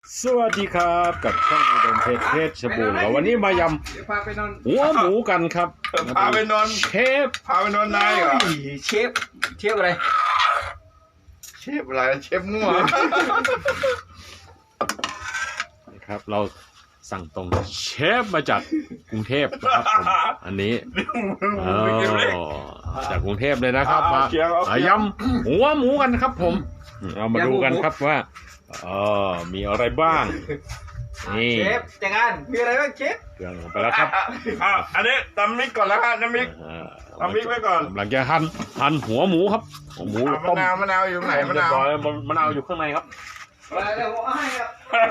สวัสดีครับกับช่องอุดมเพชรบูรณ์แล้ววันนี้มายำหัวหมูกันครับพาไปนอนเชฟพาไปนอนนายเหรอเชฟอะไรเชฟอะไรเชฟมั่วนะครับเราสั่งตรงเชฟมาจากกรุงเทพนะครับผมอันนี้จากกรุงเทพเลยนะครับมายำหัวหมูกันครับผมเรามาดูกันครับว่ามีอะไรบ้างนี่เชฟแต่งงานมีอะไรบ้างเชฟเครื่องลงไปแล้วครับอันนี้ตำมิกก่อนแล้วครับน้ำมิก เอาพริกไว้ก่อนกำลังจะหั่นหัวหมูครับหัวหมูมะต้มนาวอยู่ไหนมะนาวเรียบร้อยมะนาวอยู่ข้างในครับมาเดี๋ยวผมให้ครับ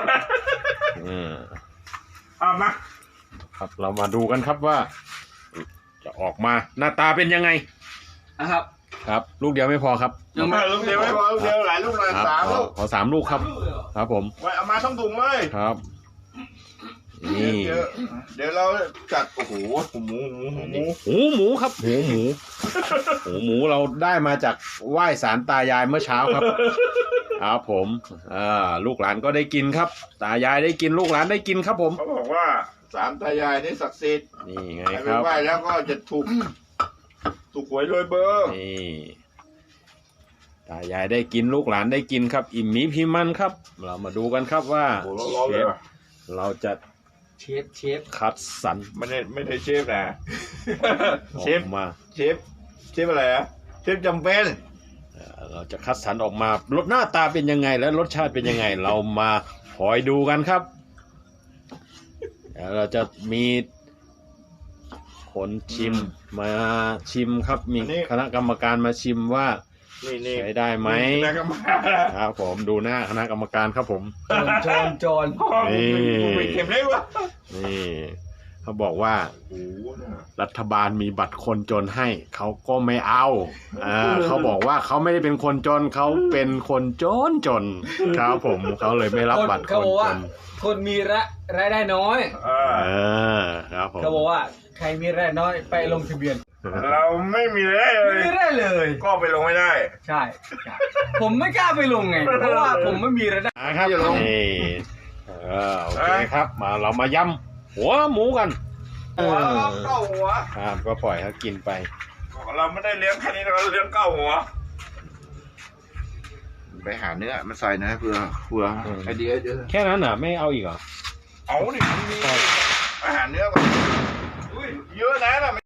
เอามาครับเรามาดูกันครับว่า จะออกมาหน้าตาเป็นยังไงนะครับครับลูกเดียวไม่พอครับลูกเดียวไม่พอลูกเดียวหลายลูกเลยครับ 3 ลูกขอ3 ลูกครับ ครับผมไว้เอามาทั้งถุงเลยครับนี่เดี๋ยวเราจัดโอ้โหหมูครับหูหมูเราได้มาจากไหว้ศาลตายายเมื่อเช้าครับครับผมลูกหลานก็ได้กินครับ ตายายได้กินลูกหลานได้กินครับผมเขาบอกว่า3 ตายายนี่ศักดิ์สิทธิ์นี่ไงใครคไปรับไหว้แล้วก็จะถูกหวยรวยเบอร์นี่ตายายได้กินลูกหลานได้กินครับ อิ่มหมีพิมันครับ เรามาดูกันครับว่าโอ้โหร้อนๆเชเลยฟว่ะเราจะเชฟคัดสรรไม่ได้เชฟนะอเชอฟกมาเชฟอะไรอะเชฟจำเป็นเราจะคัดสรรออกมารสหน้าตาเป็นยังไงและรสชาติเป็นยังไง เรามาคอยดูกันครับเราจะมีคนชิมมาชิมครับ มีคณะกรรมการมาชิมว่านี่ใช้ได้ไหมนะครับมาครับผมดูหน้าคณะกรรมการครับผมจอนนี่ไม่เข็มเลยวะนี่เขาบอกว่าโอ้โหนะรัฐบาลมีบัตรคนจนให้เขาก็ไม่เอาเขาบอกว่าเขาไม่ได้เป็นคนจนเขาเป็นคนจนครับผมเขาเลยไม่รับบัตรคเขานบอกจว่าน คนมีรายได้น้อยเออครับผมเขาบอกว่าใครมีรายได้น้อยไปลงทะเบียนเราไม่มีเลยเลยไม่ได้เลยก็ไปลงไม่ได้ใช่ผมไม่กล้าไปลงไงเพราะว่าผมไม่มีรายได้ครับนี่โอเคครับมาเรามายำหัวหมูกันหัวเก้าหัวครับก็ปล่อยเขากินไปเราไม่ได้เลี้ยงแค่นี้เราเลี้ยงเก้าหัวไปหาเนื้อมาใส่นะเพื่อไอเดียเยอะแค่นั้นน่ะไม่เอาอีกเหรอเอาดิมันมีอาหารเนื้อก่อนอุ้ยเยอะนะ